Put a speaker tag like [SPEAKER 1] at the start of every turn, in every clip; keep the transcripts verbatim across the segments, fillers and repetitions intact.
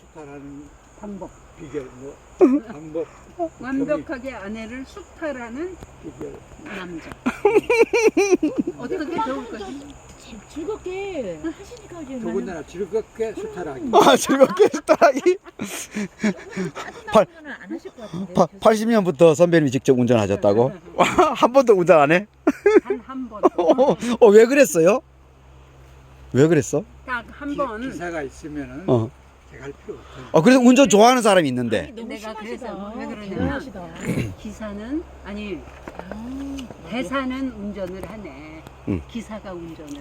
[SPEAKER 1] 수탈하는
[SPEAKER 2] 방법.
[SPEAKER 1] 비결, 뭐 방법,
[SPEAKER 2] 완벽하게 아내를 수탈하는
[SPEAKER 1] 비결.
[SPEAKER 2] 남자. 어떻게 배울 거지?
[SPEAKER 3] 즐겁게 하시니까 이제
[SPEAKER 1] 더군다나 즐겁게 수탈하기.
[SPEAKER 4] 아, 즐겁게 수탈하기. 팔-
[SPEAKER 3] 짜증나는 안 하실 것 같은데.
[SPEAKER 4] 팔십 년부터 선배님이 직접 운전하셨다고? 한 번도 운전 안 해?
[SPEAKER 2] 단 한 번.
[SPEAKER 4] 어, 어, 왜 그랬어요? 왜 그랬어?
[SPEAKER 2] 딱 한 번.
[SPEAKER 1] 기사가 있으면은
[SPEAKER 4] 어.
[SPEAKER 1] 제가 할 필요 없어요.
[SPEAKER 4] 어, 그래서 운전 좋아하는 사람이 있는데.
[SPEAKER 3] 너무
[SPEAKER 2] 내가
[SPEAKER 3] 심하시다.
[SPEAKER 2] 그래서 왜 그러냐면
[SPEAKER 3] 대단하시다.
[SPEAKER 2] 기사는 아니
[SPEAKER 3] 아,
[SPEAKER 2] 대사는 운전을 하네.
[SPEAKER 4] 응.
[SPEAKER 2] 기사가 운전을.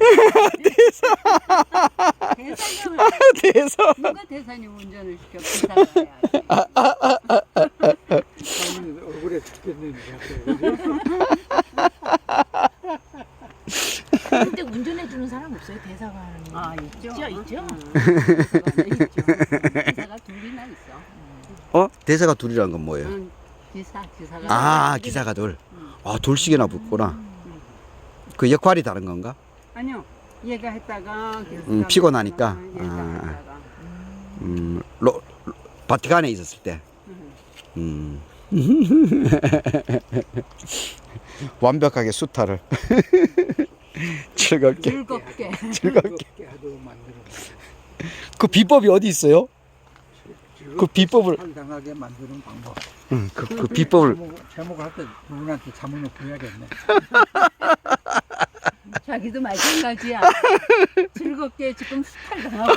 [SPEAKER 2] 대사. 대사가
[SPEAKER 4] 대서.
[SPEAKER 2] 누가 대사님 운전을 시켜 기사가 해야지.
[SPEAKER 1] 저는 억울해 죽겠는데 갑자기.
[SPEAKER 3] 그때 운전해 주는 사람 없어요? 대사가 하는.
[SPEAKER 2] 아 있죠.
[SPEAKER 3] 있죠, 있죠.
[SPEAKER 2] 응, 대사관에 있죠. 기사가 둘이나 있어.
[SPEAKER 4] 어? 대사가 둘이란 건 뭐예요?
[SPEAKER 2] 응, 기사 기사가.
[SPEAKER 4] 아,
[SPEAKER 2] 둘이.
[SPEAKER 4] 기사가 둘.
[SPEAKER 2] 응.
[SPEAKER 4] 아, 둘씩이나 붙구나. 그 역할이 다른 건가?
[SPEAKER 2] 아니요. 얘가 했다가
[SPEAKER 4] 음, 피곤하니까?
[SPEAKER 2] 얘가
[SPEAKER 4] 아.
[SPEAKER 2] 했다가.
[SPEAKER 4] 음, 로, 로, 바티칸에 있었을 때.
[SPEAKER 2] 응.
[SPEAKER 4] 음. 완벽하게 수탈을. 즐겁게.
[SPEAKER 2] 즐겁게.
[SPEAKER 1] 즐겁게 하도록 만들어.
[SPEAKER 4] 그 비법이 어디 있어요?
[SPEAKER 1] 즐겁게
[SPEAKER 4] 그 비법을-
[SPEAKER 1] 수탈당하게 만드는 방법.
[SPEAKER 4] 응, 그, 그 비법을.
[SPEAKER 1] 제목, 제목 할 때 누구한테 자문을 구해야겠네.
[SPEAKER 2] 자기도 마찬가지야. 즐겁게 지금 수탈 당하고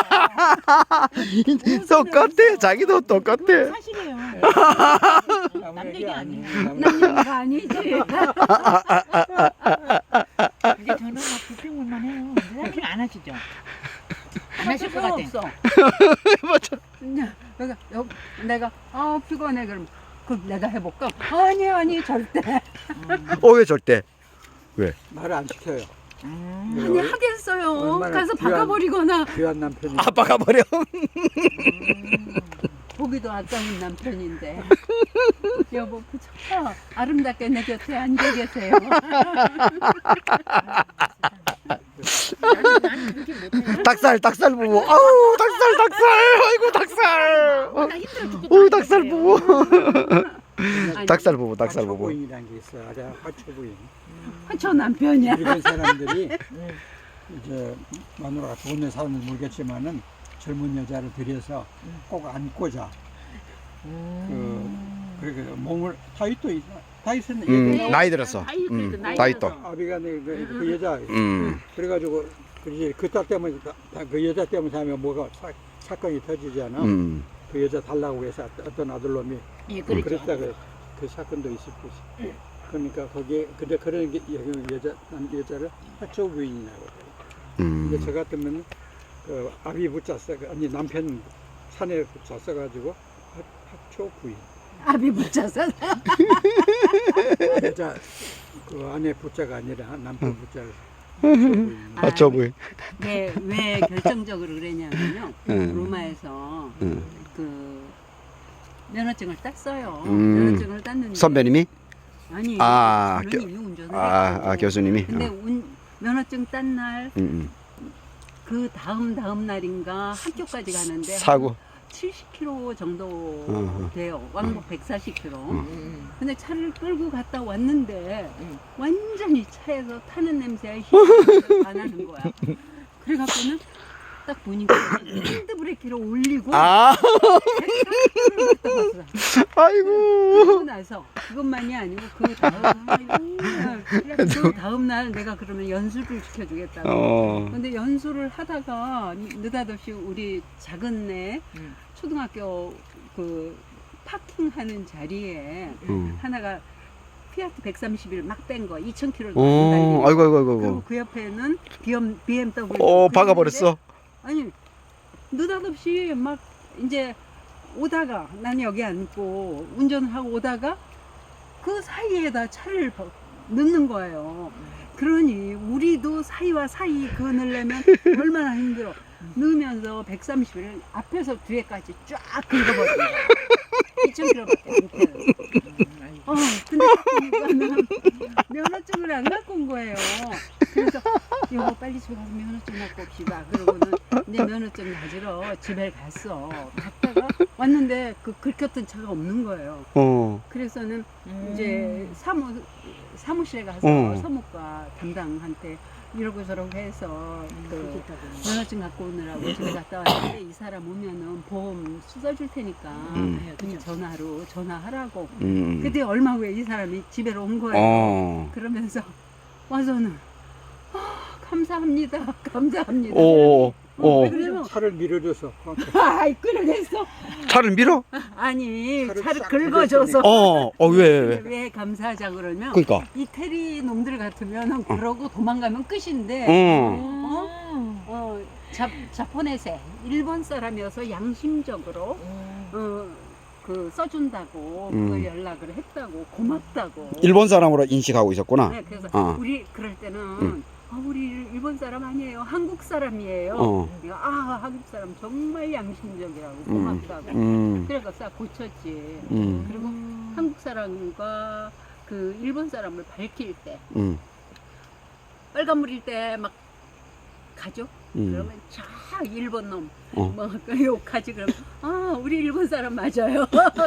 [SPEAKER 2] 있어.
[SPEAKER 4] 똑같아. 자기도 똑같아.
[SPEAKER 3] 사실이에요.
[SPEAKER 1] 남
[SPEAKER 3] 남
[SPEAKER 1] 얘기
[SPEAKER 3] 얘기
[SPEAKER 1] 아니에요.
[SPEAKER 3] 아니에요.
[SPEAKER 1] 남
[SPEAKER 2] 남 얘기가 아니지.
[SPEAKER 3] 이제 저는 막 불평만 해요. 사장님 안 하시죠? 안 하실 것 같아.
[SPEAKER 2] 없어.
[SPEAKER 4] 맞아.
[SPEAKER 2] 그냥 내가 여, 내가 아 피곤해 그럼 그럼 내가 해볼까? 아니 아니 절대.
[SPEAKER 4] 어, 왜 절대?
[SPEAKER 1] 말을 안 시켜요.
[SPEAKER 3] 음.
[SPEAKER 2] 아니 하겠어요.
[SPEAKER 1] 얼마나
[SPEAKER 2] 가서
[SPEAKER 1] 귀한-
[SPEAKER 2] 박아버리거나
[SPEAKER 1] 귀한 남편이.
[SPEAKER 4] 아빠가 버려.
[SPEAKER 2] 보기도 아까운 남편인데. 여보 그저 아름답게 내 곁에 앉아 계세요.
[SPEAKER 3] 나는, 나는 그렇게 못해요.
[SPEAKER 4] 닭살, 닭살 부부. 아우, 닭살, 닭살. 아이고, 닭살.
[SPEAKER 3] 나 힘들어 죽겠다.
[SPEAKER 4] 오, 닭살 부부.
[SPEAKER 2] 아니,
[SPEAKER 4] 닭살 부부, 닭살 부부.
[SPEAKER 1] 화초부인이라는 게 있어요. 아주 화초부인.
[SPEAKER 2] 저 남편이야.
[SPEAKER 1] 일본 사람들이
[SPEAKER 3] 응.
[SPEAKER 1] 이제 마누라가 좋은 데 사는 모르겠지만은 젊은 여자를 들여서 꼭 안고자.
[SPEAKER 3] 음.
[SPEAKER 1] 그렇게 몸을 다이또 있- 다이슨
[SPEAKER 4] 음,
[SPEAKER 1] 얘기
[SPEAKER 4] 나이 들었어.
[SPEAKER 2] 다이 그래도
[SPEAKER 4] 음,
[SPEAKER 2] 나이
[SPEAKER 4] 다이 또.
[SPEAKER 2] 들어서.
[SPEAKER 1] 아비가 그, 그, 그 여자
[SPEAKER 4] 음.
[SPEAKER 1] 그래가지고 그, 그딸 때문에 다- 다 그 여자 때문에 하면 뭐가 사, 사건이 터지잖아.
[SPEAKER 4] 음.
[SPEAKER 1] 그 여자 달라고 해서 어떤 아들놈이
[SPEAKER 3] 예,
[SPEAKER 1] 그
[SPEAKER 3] 그렇죠.
[SPEAKER 1] 랬다 그, 그 사건도 있을 것이. 그러니까 거기에 근데 그런 게 여기 여자 남 여자를 화초 부인이라고. 근데
[SPEAKER 4] 음.
[SPEAKER 1] 저 같으면 그 아비 붙잡서 아니 남편 산에 붙잡서가지고 화초 부인.
[SPEAKER 2] 아비 붙여서
[SPEAKER 1] 여자 그 아내 붙자가 아니라 남편 붙자를
[SPEAKER 2] 아,
[SPEAKER 4] 아, 저 부인.
[SPEAKER 2] 왜, 왜 결정적으로 그랬냐면요.
[SPEAKER 4] 음.
[SPEAKER 2] 로마에서
[SPEAKER 4] 음.
[SPEAKER 2] 그 면허증을 땄어요.
[SPEAKER 4] 음.
[SPEAKER 2] 면허증을 땄는데
[SPEAKER 4] 선배님이?
[SPEAKER 2] 아니
[SPEAKER 4] 아,
[SPEAKER 2] 저는
[SPEAKER 4] 교-
[SPEAKER 2] 이미 운전을
[SPEAKER 4] 아,
[SPEAKER 2] 했고.
[SPEAKER 4] 아, 교수님이?
[SPEAKER 2] 근데
[SPEAKER 4] 어.
[SPEAKER 2] 운, 면허증 딴 날 그
[SPEAKER 4] 음, 음.
[SPEAKER 2] 다음 다음 날인가 학교까지 가는데
[SPEAKER 4] 사고.
[SPEAKER 2] 칠십 킬로미터 정도
[SPEAKER 4] 어.
[SPEAKER 2] 돼요. 왕복 백사십 킬로미터.
[SPEAKER 3] 음.
[SPEAKER 2] 근데 차를 끌고 갔다 왔는데
[SPEAKER 3] 음.
[SPEAKER 2] 완전히 차에서 타는 냄새에 안 하는 거야. 그래갖고는 딱 보니까 핸드브레이크를 올리고
[SPEAKER 4] 아,
[SPEAKER 2] 를 갔다 왔어.
[SPEAKER 4] 아이고.
[SPEAKER 2] 그러고 나서 그것만이 아니고 그 다음 그 다음 날 내가 그러면 연수를 시켜주겠다고.
[SPEAKER 4] 어.
[SPEAKER 2] 근데 연수를 하다가 느닷없이 우리 작은 애
[SPEAKER 3] 음.
[SPEAKER 2] 초등학교 그 파킹하는 자리에
[SPEAKER 4] 음.
[SPEAKER 2] 하나가 피아트 백삼십일 막 뺀 거 이천 킬로미터
[SPEAKER 4] 어, 아이고, 아이고,
[SPEAKER 2] 그리고
[SPEAKER 4] 아이고.
[SPEAKER 2] 그 옆에는 비엠더블유.
[SPEAKER 4] 어, 박아버렸어.
[SPEAKER 2] 아니 느닷없이 막 이제 오다가 나는 여기 앉고 운전을 하고 오다가 그 사이에다 차를 버- 넣는 거예요. 그러니 우리도 사이와 사이 그거 넣으려면 얼마나 힘들어. 넣으면서 백삼십을 앞에서 뒤에까지 쫙 긁어버린 거야. 이천 킬로미터밖에 안 돼요. 어, 근데 딱 보니까는 면허증을 안 갖고 온 거예요. 그래서 여보 빨리 집에 가서 면허증 갖고 옵시다. 그러고는 이제 면허증 가지러 집에 갔어. 갔다가 왔는데 그 긁혔던 차가 없는 거예요.
[SPEAKER 4] 어.
[SPEAKER 2] 그래서는
[SPEAKER 3] 음.
[SPEAKER 2] 이제 사무 사무실에 가서
[SPEAKER 4] 어.
[SPEAKER 2] 사무과 담당한테 이러고 저러고 해서 그 면허증 갖고 오느라고 집에 갔다 왔는데 이 사람 오면은 보험 수사 줄 테니까
[SPEAKER 4] 음.
[SPEAKER 2] 그냥 전화로 전화하라고.
[SPEAKER 4] 음.
[SPEAKER 2] 그때 얼마 후에 이 사람이 집에로 온 거예요.
[SPEAKER 4] 어.
[SPEAKER 2] 그러면서 와서는 아, 감사합니다, 감사합니다.
[SPEAKER 4] 오. 어.
[SPEAKER 2] 왜 그래요?
[SPEAKER 1] 차를 밀어줘서
[SPEAKER 2] 아이 그러겠어.
[SPEAKER 4] 차를 밀어?
[SPEAKER 2] 아니
[SPEAKER 1] 차를
[SPEAKER 2] 차를
[SPEAKER 1] 싹
[SPEAKER 2] 긁어줘서
[SPEAKER 4] 어. 어, 왜, 왜?
[SPEAKER 2] 왜 감사하자 그러면
[SPEAKER 4] 그러니까.
[SPEAKER 2] 이태리 놈들 같으면 그러고 도망가면 끝인데
[SPEAKER 4] 어.
[SPEAKER 3] 어?
[SPEAKER 2] 어, 자, 자포네세 일본 사람이어서 양심적으로 어, 그 써준다고
[SPEAKER 4] 음.
[SPEAKER 2] 그걸 연락을 했다고 고맙다고.
[SPEAKER 4] 일본 사람으로 인식하고 있었구나.
[SPEAKER 2] 네, 그래서
[SPEAKER 4] 어.
[SPEAKER 2] 우리 그럴 때는
[SPEAKER 4] 음.
[SPEAKER 2] 아, 우리 일본 사람 아니에요, 한국 사람이에요.
[SPEAKER 4] 어.
[SPEAKER 2] 그래서 아 한국 사람 정말 양심적이라고 고맙다고.
[SPEAKER 4] 음.
[SPEAKER 2] 그래서 싹 고쳤지.
[SPEAKER 4] 음.
[SPEAKER 2] 그리고 한국 사람과 그 일본 사람을 밝힐 때
[SPEAKER 4] 음.
[SPEAKER 2] 빨간불일 때 막 가죠.
[SPEAKER 4] 음.
[SPEAKER 2] 그러면 저 일본 놈,
[SPEAKER 4] 어.
[SPEAKER 2] 뭐 욕하지. 그러면 아 우리 일본 사람 맞아요.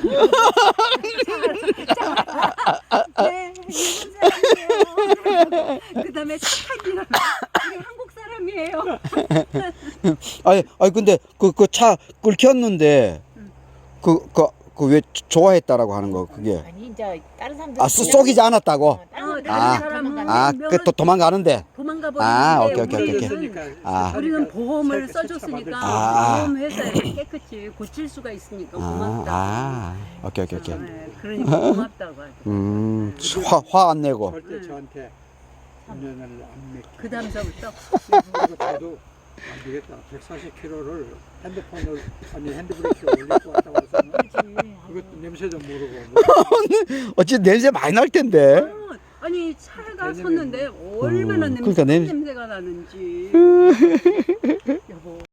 [SPEAKER 2] 네 일본 사람이에요. 그다음에 착한 이름 우리 한국 사람이에요.
[SPEAKER 4] 아니, 아니 근데 그 그 차 긁혔는데
[SPEAKER 2] 음.
[SPEAKER 4] 그 그 그 왜 좋아했다라고 하는 거 그게
[SPEAKER 3] 아니 이제 다른 사람들
[SPEAKER 4] 아 쏘- 쏘기지 않았다고.
[SPEAKER 3] 어, 다른
[SPEAKER 2] 어,
[SPEAKER 3] 사람들
[SPEAKER 4] 아.
[SPEAKER 2] 사람은
[SPEAKER 4] 아, 그 또 도망가는데.
[SPEAKER 2] 도망가
[SPEAKER 4] 아,
[SPEAKER 2] 버리는데
[SPEAKER 4] 오케이, 오케이, 오케이.
[SPEAKER 2] 우리는
[SPEAKER 4] 아.
[SPEAKER 2] 우리는 보험을
[SPEAKER 1] 새- 새
[SPEAKER 2] 써줬으니까
[SPEAKER 4] 아.
[SPEAKER 2] 보험 회사에서 깨끗이 고칠 수가 있으니까
[SPEAKER 4] 아,
[SPEAKER 2] 고맙다.
[SPEAKER 4] 아, 오케이, 오케이, 오케이.
[SPEAKER 2] 네, 그러니까 고맙다고 하죠.
[SPEAKER 4] 음, 화 화 안 내고.
[SPEAKER 1] 절대 저한테 운전을 안 맡기고.
[SPEAKER 2] 그 다음서부터
[SPEAKER 1] 그리고 저도 안 되겠다. 백사십 킬로미터를 핸드폰을 아니 핸드브레이크에 올리고 왔다 와서는 이것도 냄새도 모르고 뭐
[SPEAKER 4] 어찌 냄새 많이 날 텐데.
[SPEAKER 2] 어, 아니 차가
[SPEAKER 1] 왜냐면-
[SPEAKER 2] 섰는데 얼마나
[SPEAKER 4] 음,
[SPEAKER 2] 냄새,
[SPEAKER 4] 그러니까 냄새-
[SPEAKER 2] 냄새가 나는지. 여보